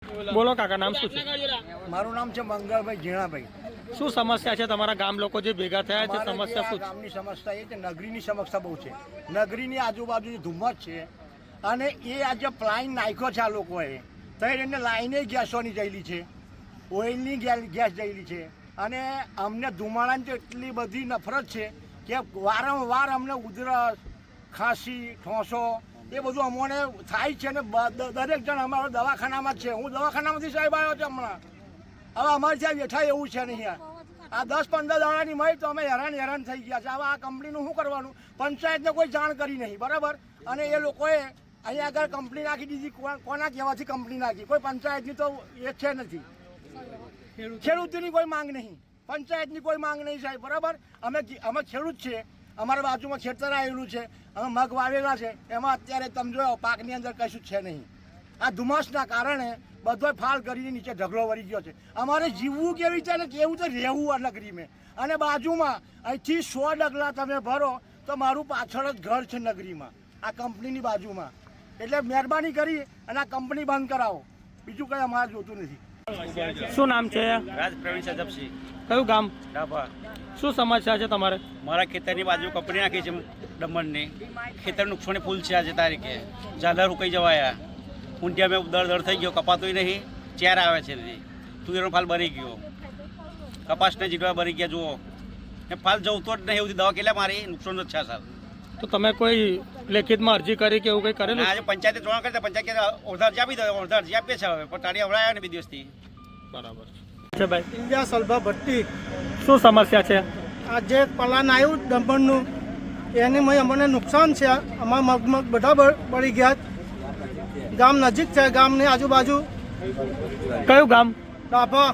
બોલો કાકા, નામ શું છે? મારું નામ છે મંગળભાઈ ઝીણાભાઈ. શું સમસ્યા છે તમારા ગામ લોકો જે ભેગા થયા છે? સમસ્યા શું છે? ગામની સમસ્યા એ છે, નગરીની સમસ્યા બહુ છે. નગરીની આજુબાજુ ધુમ્મસ છે અને એ આજે પ્લાઇન નાખ્યો છે આ લોકોએ, તો એને લાઈને ગેસોની જયેલી છે, ઓઇલની ગેસ જયેલી છે અને અમને ધુમાડાની તો એટલી બધી નફરત છે કે વારંવાર અમને ઉધરસ, ખાંસી, ઠોંસો એ બધું અમને થાય છે ને દરેક જણ અમારો દવાખાનામાં જ છે. હું દવાખાનામાંથી સાહેબ આવ્યો છું હમણાં. હવે અમારે ત્યાં બેઠા એવું છે નહીં. આ 10-15 દાડાની મળી તો અમે હેરાન થઈ ગયા છે. હવે આ કંપનીનું શું કરવાનું? પંચાયતને કોઈ જાણ કરી નહીં, બરાબર. અને એ લોકોએ અહીંયા આગળ કંપની નાખી દીધી. કોના કહેવાથી કંપની નાખી? કોઈ પંચાયતની તો એ છે નથી. ખેડૂતની કોઈ માંગ નહીં, પંચાયતની કોઈ માંગ નહીં સાહેબ, બરાબર. અમે ખેડૂત છે, અમારા બાજુમાં ખેતર આવેલું છે, અમે મગ વાવેલા છે, એમાં અત્યારે તમે જોયો પાકની અંદર કશું છે નહીં. આ ધુમ્મસના કારણે બધો ફાલ કરીને નીચે ઢગલો વળી ગયો છે. અમારે જીવવું કેવી રીતે ને કેવું તો રહેવું આ નગરીમાં. અને બાજુમાં અહીંથી 100 ડગલા તમે ભરો તો મારું પાછળ જ ઘર છે નગરીમાં, આ કંપનીની બાજુમાં. એટલે મહેરબાની કરી અને આ કંપની બંધ કરાવો, બીજું કંઈ અમારે જોતું નથી. શું નામ છે? રાજ પ્રવીણ સજપસિંહ. કયું ગામ? ડાભા. શું સમસ્યા છે તમારે? મારા ખેતરની બાજુ કંપની નાખી છે દમણની. ખેતર નુકસાની ફૂલ છે આજે તારીખે. ઝાલર ઉકાઈ જવાયા, ઊંટિયા મેં દર થઈ ગયો, કપાતું નહીં, ચેર આવે છે નથી, તુવેરનો ફાલ બની ગયો, કપાસને જીડવા બની ગયા. જુઓ એ ફાલ જવતો જ નહીં, એવું દવા કેટલા મારી નુકસાન જ છે સાહેબ. તો તમે કોઈ લેખિતમાં અરજી કરી કે એવું કંઈ કરેલું? આજે પંચાયતે જોવા કરતા પંચાયત અડધા અરજી આપી દો, અડધા અરજી આપીએ છે હવે, પણ તારી હવડાયા ને 2 દિવસથી. બરાબર છે ભાઈ. ઇન્ડિયા સલભા ભટ્ટી. શું સમસ્યા છે? આ જે પલાન આવ્યું દમણનું એની મય અમને નુકસાન છે. અમારા મગ બધા બળી ગયા. ગામ નજીક છે, ગામની આજુબાજુ. કયું ગામ? ડાભા.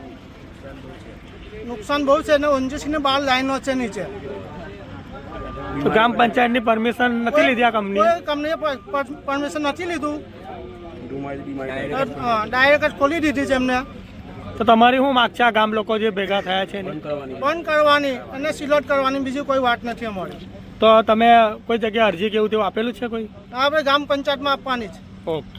નુકસાન બહુ છે ને 79 12 લાઈનો છે નીચે. તો ગ્રામ પંચાયતની પરમિશન નથી લીધી આ કંપની? કોઈ કંપનીએ પરમિશન નથી લીધું, ડાયરેક્ટ જ ખોલી દીધી છે એમને. તો તમારી શું માગ છે આ ગામ લોકો જે ભેગા થયા છે એની? બંધ કરવાની અને સિલોટ કરવાની, બીજી કોઈ વાત નથી અમારી. તો તમે કોઈ જગ્યાએ અરજી કેવું તેવું આપેલું છે કોઈ? આપણે ગ્રામ પંચાયતમાં આપવાની છે. ઓકે.